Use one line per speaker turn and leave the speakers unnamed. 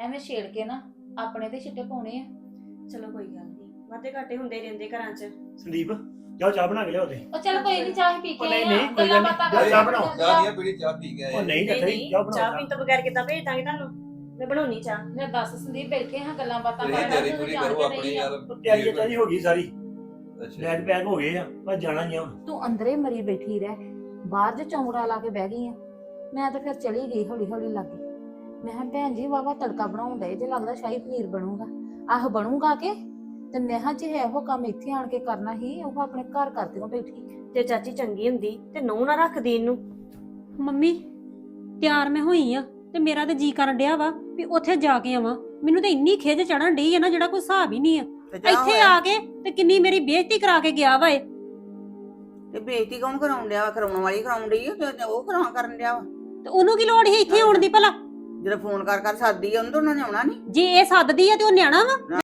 ਐਵੇਂ ਛੇੜ ਕੇ ਨਾ ਆਪਣੇ ਤੇ ਛਿੱਟੇ ਪਾਉਣੇ ਆ।
ਚਲੋ ਕੋਈ ਗੱਲ ਨਹੀਂ, ਵਾਧੇ ਘਾਟੇ ਹੁੰਦੇ ਰਹਿੰਦੇ ਘਰਾਂ 'ਚ।
ਸੰਦੀਪ ਜਾਓ ਚਾਹ ਬਣਾ ਕੇ ਲਿਆਓ ਤੇ।
ਉਹ ਚੱਲ ਕੋਈ ਨਹੀਂ, ਚਾਹ ਪੀ ਕੇ
ਉਹ ਨਹੀਂ,
ਆਏ ਆ,
ਨਹੀਂ, ਕੋਈ
ਗੱਲਾਂ
ਗੱਲ
ਬਾਤਾਂ
ਨਹੀਂ,
ਕਰਦੇ
ਚਾਹ ਬਣਾਓ।
ਜਾਂਦੇ
ਚਾਹ
ਆ।
ਨਹੀਂ ਪੀੜੀ, ਚਾਹ ਪੀ ਕੇ ਆਏ
ਉਹ ਨਹੀਂ
ਨਹੀਂ
ਕੱਥੇ
ਨਹੀਂ,
ਜਾਓ
ਚਾਹ
ਬਣਾਓ
ਪੀਣ ਤੋਂ ਬਗੈਰ ਕਿੱਦਾਂ ਭੇਜ ਦਾਂਗੇ ਤੁਹਾਨੂੰ? ਮੈਂ ਬਣਾਉਣੀ ਚਾਹ।
ਮੈਂ ਦੱਸ ਸੰਦੀਪ ਬੈਠੇ ਹਾਂ ਗੱਲਾਂ ਬਾਤਾਂ
ਤੁਸੀਂ
ਕਰਦੇ
ਤਿਆਰੀ
ਤੂੰ
ਪੂਰੀ
ਜਾਣ
ਕਰੋ
ਕੇ
ਆਪਣੀ
ਨਹੀਂ ਆ।
ਯਾਰ।
ਤਿਆਰੀ ਚਾਹੀ ਹੋ ਗਈ ਸਾਰੀ,
ਅੱਛਾ
ਬੈਗ ਪੈਕ ਹੋ ਗਏ ਆ, ਬਸ ਜਾਣਾ ਹੀ ਆ ਹੁਣ।
ਤੂੰ ਅੰਦਰੇ ਮਰੀ ਬੈਠੀ ਰਹਿ, ਬਾਹਰ ਜੇ ਚੌਂਕੜਾ ਲਾ ਕੇ ਬਹਿ ਗਈ ਆ। ਮੈਂ ਤਾਂ ਫਿਰ ਚਲੀ ਗਈ ਹੌਲੀ ਹੌਲੀ ਲੱਗੀ। ਮੈਂ ਕਿਹਾ ਭੈਣ ਜੀ ਵਾਵਾ ਤੜਕਾ ਬਣਾਉਣ ਡਏ ਜੇ, ਲੱਗਦਾ ਸ਼ਾਹੀ ਪਨੀਰ ਬਣੂਗਾ। ਆਹ ਬਣੂਗਾ ਕਿ ਤੇ ਮੈਂ ਕਿਹਾ ਜੇ ਇਹੋ ਕੰਮ ਇੱਥੇ ਆਣ ਕੇ ਕਰਨਾ ਹੀ, ਉਹ ਆਪਣੇ ਘਰ ਕਰਦੀ ਨੂੰ ਬੈਠੀ।
ਜੇ ਚਾਚੀ ਚੰਗੀ ਹੁੰਦੀ ਤੇ ਨੂੰਹ ਨਾ ਰੱਖਦੀ ਇਹਨੂੰ।
ਮੰਮੀ ਤਿਆਰ ਮੈਂ ਹੋਈ ਆ ਤੇ ਮੇਰਾ ਤੇ ਜੀ ਕਰਨ ਡਿਆ ਵਾ ਵੀ ਉੱਥੇ ਜਾ ਕੇ ਆਵਾਂ। ਮੈਨੂੰ ਤਾਂ ਇੰਨੀ ਖਿੱਚ ਚੜਨ ਡਈ ਆ ਨਾ, ਜਿਹੜਾ ਕੋਈ ਹਿਸਾਬ ਹੀ ਨਹੀਂ ਆ। ਇੱਥੇ ਆ ਕੇ ਤੇ ਕਿੰਨੀ ਮੇਰੀ ਬੇਇੱਜ਼ਤੀ ਕਰਾ ਕੇ ਗਿਆ ਵਾ ਇਹ।
ਤੇ ਬੇਇੱਜ਼ਤੀ ਕੌਣ ਕਰਾਉਣ ਡਿਆ ਵਾ? ਕਰਾਉਣ ਵਾਲੀ ਕਰਾਉਣ ਡਈ ਆ ਤੇ ਉਹ ਕਰਨ ਡਿਆ ਵਾ।
ਤੇ ਉਹਨੂੰ ਕੀ ਲੋੜ ਸੀ ਇੱਥੇ ਆਉਣ ਦੀ ਭਲਾ?
ਜਦੋਂ ਫੋਨ ਕਰ ਸੱਦਦੀ ਆ ਉਹਨੂੰ ਤਾਂ ਉਹਨਾਂ ਨੇ ਆਉਣਾ ਨਹੀਂ।
ਜੇ ਇਹ ਸੱਦਦੀ ਆ ਤੇ ਉਹ ਨਿਆਣਾ ਵਾ।